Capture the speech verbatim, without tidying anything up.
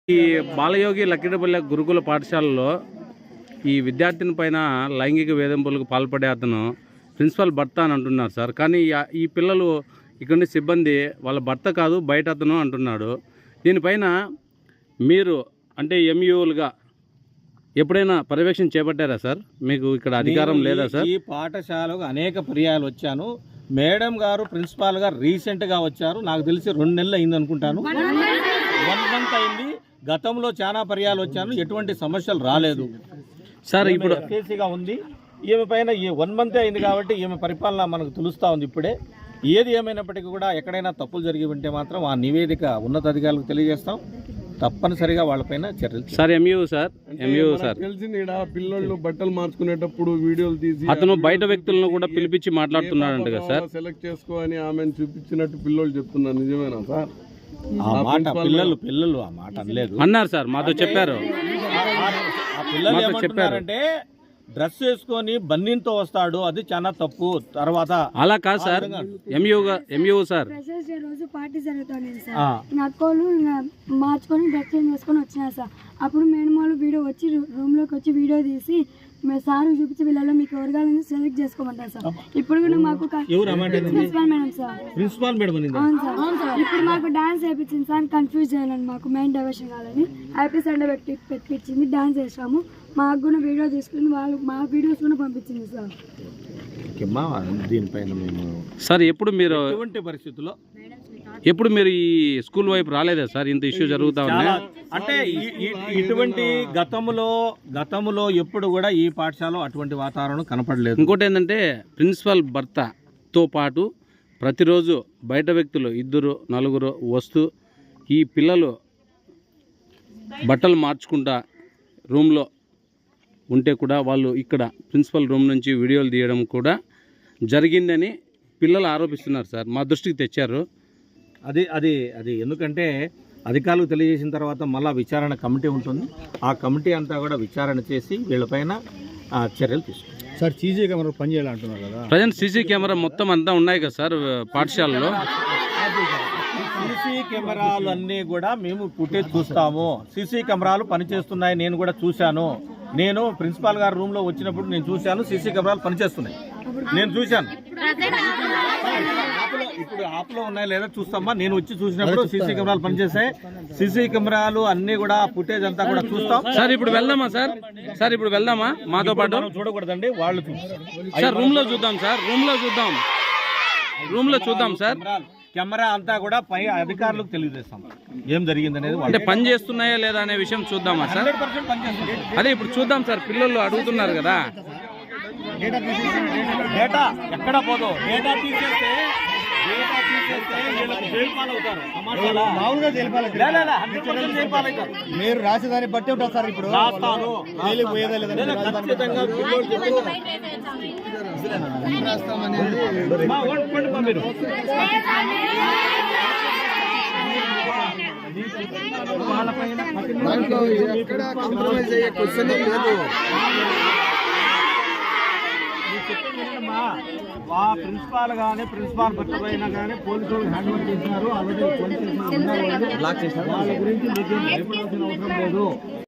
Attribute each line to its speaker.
Speaker 1: ఈ బాలయోగి లక్కిడిపల్లె గురుకుల పాఠశాలలో ఈ విద్యార్థిని పైన లైంగిక వేధింపులకు పాల్పడే అతను ప్రిన్సిపల్ భర్త అని అంటున్నారు సార్. కానీ ఈ పిల్లలు ఇక్కడ సిబ్బంది వాళ్ళ భర్త కాదు బయట అతను అంటున్నాడు. దీనిపైన మీరు అంటే ఎంయూలుగా ఎప్పుడైనా పర్యవేక్షణ చేపట్టారా సార్? మీకు ఇక్కడ అధికారం లేదా సార్?
Speaker 2: ఈ పాఠశాలకు అనేక పర్యాయాలు వచ్చాను. మేడం గారు ప్రిన్సిపాల్ గారు రీసెంట్గా వచ్చారు. నాకు తెలిసి రెండు నెలలు అయింది అనుకుంటాను. వన్ మంత్ అయింది. గతంలో చాలా పర్యాలు వచ్చాను, ఎటువంటి సమస్యలు రాలేదు
Speaker 1: సార్. ఇప్పుడు
Speaker 2: కేసీగా ఉంది ఈమె పైన. ఈ వన్ మంత్ అయింది కాబట్టి ఈమె పరిపాలన మనకు తెలుస్తూ ఉంది ఇప్పుడే. ఏది ఏమైనప్పటికీ కూడా ఎక్కడైనా తప్పులు జరిగి ఉంటే మాత్రం ఆ నివేదిక ఉన్నతాధికారులకు తెలియజేస్తాం. తప్పనిసరిగా వాళ్ళపైన చర్యలు
Speaker 1: sir. MU sir MU sir
Speaker 3: తెలిసింది పిల్లలు బట్టలు మార్చుకునేటప్పుడు వీడియోలు తీసి
Speaker 1: అతను బయట వ్యక్తులను కూడా పిలిపించి మాట్లాడుతున్నాడంట కదా సార్.
Speaker 3: సెలెక్ట్ చేసుకో అని ఆమెను చూపించినట్టు పిల్లలు చెప్తున్నారు. నిజమేనా సార్?
Speaker 2: ఆ మాట పిల్లలు పిల్లలు ఆ మాట అనలేదు
Speaker 1: అన్నారు సార్, మాతో చెప్పారు.
Speaker 2: పిల్లలు ఏమంటున్నారంటే డ్రెస్ వేసుకొని బన్నీతో వస్తాడు, అది చాలా తప్పు. తర్వాత
Speaker 1: అలా కాదు సార్. ఎంయూగా ఎంయూ సార్
Speaker 4: రోజు పార్టీ జరుగుతుంది సార్. నా అక్కోళ్ళు మార్చుకొని డ్రెస్ చేంజ్ చేసుకొని వచ్చినారు సార్. అప్పుడు మేడం వాళ్ళు వీడియో వచ్చి రూమ్ లోకి వచ్చి వీడియో తీసి సార్ చూపించి వీళ్ళలో మీకు ఎవరిగాలని సెలెక్ట్ చేసుకోమంటారు సార్. ఇప్పుడు కూడా మాకు principal madam sir
Speaker 2: principal madam
Speaker 4: అవును సార్. ఇప్పుడు మాకు డాన్స్ వేయించింది సార్. కన్ఫ్యూజ్ చేయాలని మాకు మెయిన్ డైవర్షన్ కావాలని హ్యాపీ సండే పెట్టి పెట్టించింది. డాన్స్ వేసాము. మాకు కూడా వీడియో తీసుకుని వాళ్ళు మా వీడియోస్ కూడా పంపించింది సార్.
Speaker 2: దీనిపైన మేము
Speaker 1: సార్ ఎప్పుడు మీరు
Speaker 2: ఎటువంటి పరిస్థితుల్లో
Speaker 1: ఎప్పుడు మీరు ఈ స్కూల్ వైపు రాలేదా సార్? ఇంత ఇష్యూ జరుగుతా ఉన్నాయి
Speaker 2: అంటే ఇటువంటి గతంలో గతంలో ఎప్పుడు కూడా ఈ పాఠశాలలో అటువంటి వాతావరణం కనపడలేదు.
Speaker 1: ఇంకోటి ఏంటంటే ప్రిన్సిపల్ భర్తతో పాటు ప్రతిరోజు బయట వ్యక్తులు ఇద్దరు నలుగురు వస్తూ ఈ పిల్లలు బట్టలు మార్చుకుంటా రూమ్లో ఉంటే కూడా వాళ్ళు ఇక్కడ ప్రిన్సిపల్ రూమ్ నుంచి వీడియోలు తీయడం కూడా జరిగిందని పిల్లలు ఆరోపిస్తున్నారు సార్. మా దృష్టికి తెచ్చారు.
Speaker 2: అది అది అది ఎందుకంటే అధికారులకు తెలియజేసిన తర్వాత మళ్ళీ విచారణ కమిటీ ఉంటుంది. ఆ కమిటీ అంతా కూడా విచారణ చేసి వీళ్ళపైన చర్యలు తీసుకుంటారు
Speaker 5: సార్. సీసీ కెమెరా పని చేయాలంటున్నారు కదా.
Speaker 1: ప్రజెంట్ సీసీ కెమెరా మొత్తం అంతా ఉన్నాయి కదా సార్ పాఠశాలలో.
Speaker 2: సీసీ కెమెరాలు అన్నీ కూడా మేము ఫుటేజ్ చూస్తాము. సీసీ కెమెరాలు పనిచేస్తున్నాయి. నేను కూడా చూశాను. నేను ప్రిన్సిపాల్ గారు రూమ్ లో వచ్చినప్పుడు నేను చూశాను. సీసీ కెమెరాలు పనిచేస్తున్నాయి, నేను చూశాను. ఇప్పుడు ఆప్లో ఉన్నాయి లేదా చూస్తామా. నేను వచ్చి చూసినప్పుడు సీసీ కెమెరాలు పనిచేస్తాయి. సీసీ కెమెరాలు అన్ని కూడా ఫుటేజ్ అంతా కూడా చూస్తాం
Speaker 1: సార్. ఇప్పుడు వెళ్దామా సార్? సార్ ఇప్పుడు వెళ్దామా మాతో పాటు?
Speaker 2: చూడకూడదండి, వాళ్ళు
Speaker 1: సార్ రూమ్ లో చూద్దాం సార్. రూమ్ లో చూద్దాం రూమ్ లో చూద్దాం సార్.
Speaker 2: కెమెరా అంతా కూడా పై అధికారులకు తెలియజేస్తాం ఏం జరిగింది అనేది.
Speaker 1: అంటే పని చేస్తున్నాయా లేదా అనే విషయం చూద్దామా సార్? అదే ఇప్పుడు చూద్దాం సార్. పిల్లలు అడుగుతున్నారు కదా.
Speaker 2: డేటా ఎక్కడ పోదు. డేటా తీసేస్తే డేటా తీసేస్తే జైలు పాలవుతారు.
Speaker 5: మామూలుగా
Speaker 2: జైలు
Speaker 5: మీరు రాసేదాన్ని బట్టి ఉంటారు సార్. ఇప్పుడు
Speaker 2: రాస్తాను ఖచ్చితంగా మీరు
Speaker 3: ఎక్కడ కాంప్రమైజ్ అయ్యే క్వశ్చన్ లేదు.
Speaker 2: ప్రిన్సిపాల్ గానీ ప్రిన్సిపాల్ భర్త అయినా కానీ పోలీసులు హ్యాండ్ ఓవర్ చేసినారు. ఆల్రెడీ పోలీసు వాళ్ళ గురించి మీకు భయపడాల్సిన అవసరం లేదు.